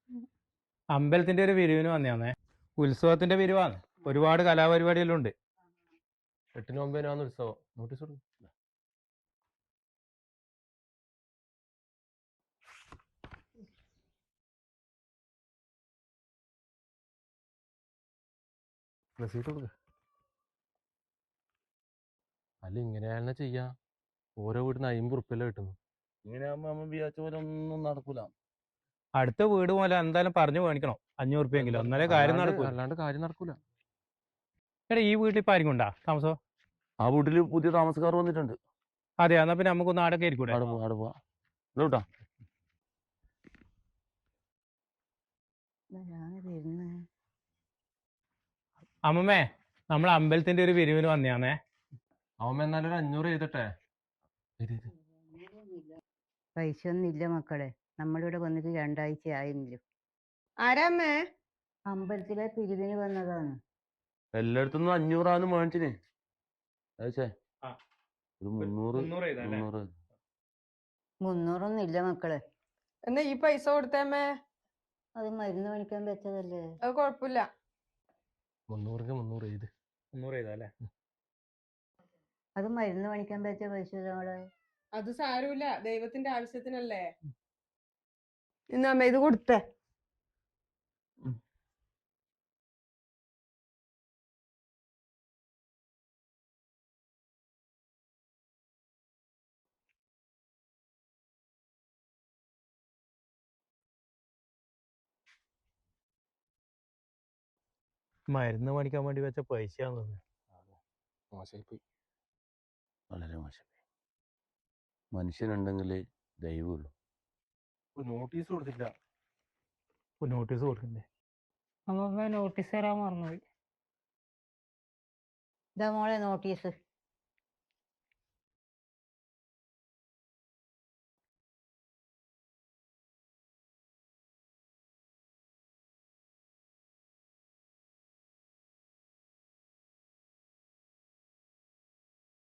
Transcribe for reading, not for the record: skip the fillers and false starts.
അമ്പലത്തിന്റെ ഒരു പിരിവിന് വന്നേ. ഉത്സവത്തിന്റെ പിരിവാണ്. ഒരുപാട് കലാപരിപാടിയെല്ലാം ഉണ്ട്. 8-നും 9-നും ഉത്സവം. നോട്ടീസ് കൊടുക്കും. റെസീറ്റ് കൊടുക്ക. അല്ല ഇങ്ങനെയാണെന്ന് ചെയ്യാ. ഓരോ വീട്ടിന് 50 ഉറുപ്പിയല്ലേ കിട്ടുന്നു. ഇങ്ങനെയാകുമ്പോ നമ്മൾ വിചാരിച്ച പോലെ ഒന്നും നടക്കൂല. അടുത്ത വീട് പോലെ എന്തായാലും പറഞ്ഞു മേടിക്കണം 500 ഉറുപ്പിയെങ്കിലും, എന്നാലേ കാര്യം നടക്കൂല. അല്ലാണ്ട് കാര്യം നടക്കൂല. എടാ, ഈ വീട്ടിൽ ഇപ്പൊ ആയിരിക്കും ഉണ്ടാ താമസോ? ആ വീട്ടില് പുതിയ താമസക്കാർ വന്നിട്ടുണ്ട്. അതെ, എന്നാ പിന്നെ നമുക്കൊന്ന് ആടൊക്കെ ആയിരിക്കൂടെ? ആടെ പോവാ കേട്ടാ. അമ്മമ്മേ, നമ്മൾ അമ്പലത്തിന്റെ ഒരു പിരിവിന് വന്നേ. അവൻ എന്നാലും ഒരു 500 എഴുതട്ടെ. പൈസ ഒന്നും ഇല്ല മക്കളെ, നമ്മളിവിടെ വന്നിട്ട് 2 ആഴ്ച ആയിരുന്നില്ല. ആരാമ്മേ? അമ്പലത്തിലെ പിരിവിന് വന്നതാണ്. എല്ലായിടത്തുനിന്നും 500 മേടിച്ചിന്. ഒരു 300 300 ഇല്ല മക്കളെ. എന്നാ ഈ പൈസ കൊടുത്തേമ്മേ. അത് മരുന്ന് മേടിക്കാൻ വെച്ചതല്ലേ. അത് കൊഴപ്പില്ല. 300 എഴുത്. 300 എഴുതാല്ലേ? അത് മരുന്ന് മേടിക്കാൻ വെച്ച പൈസ നമ്മളെ. അത് സാരമില്ല, ദൈവത്തിന്റെ ആവശ്യത്തിനല്ലേ. ഇന്നമ്മ ഇത് കൊടുത്തേ. മരുന്ന് മേടിക്കാൻ വേണ്ടി വെച്ച പൈസയാന്ന് തോന്നുന്നു. മോശമായിപ്പോയി. വളരെ മോശം. മനുഷ്യനുണ്ടെങ്കിലേ ദൈവമുള്ളൂ. നോട്ടീസ് കൊടുത്തില്ല. നോട്ടീസ് കൊടുക്കണ്ടേ? അമ്മ നോട്ടീസ് തരാൻ മറന്നുപോയി. ഇതാ മോളെ നോട്ടീസ്.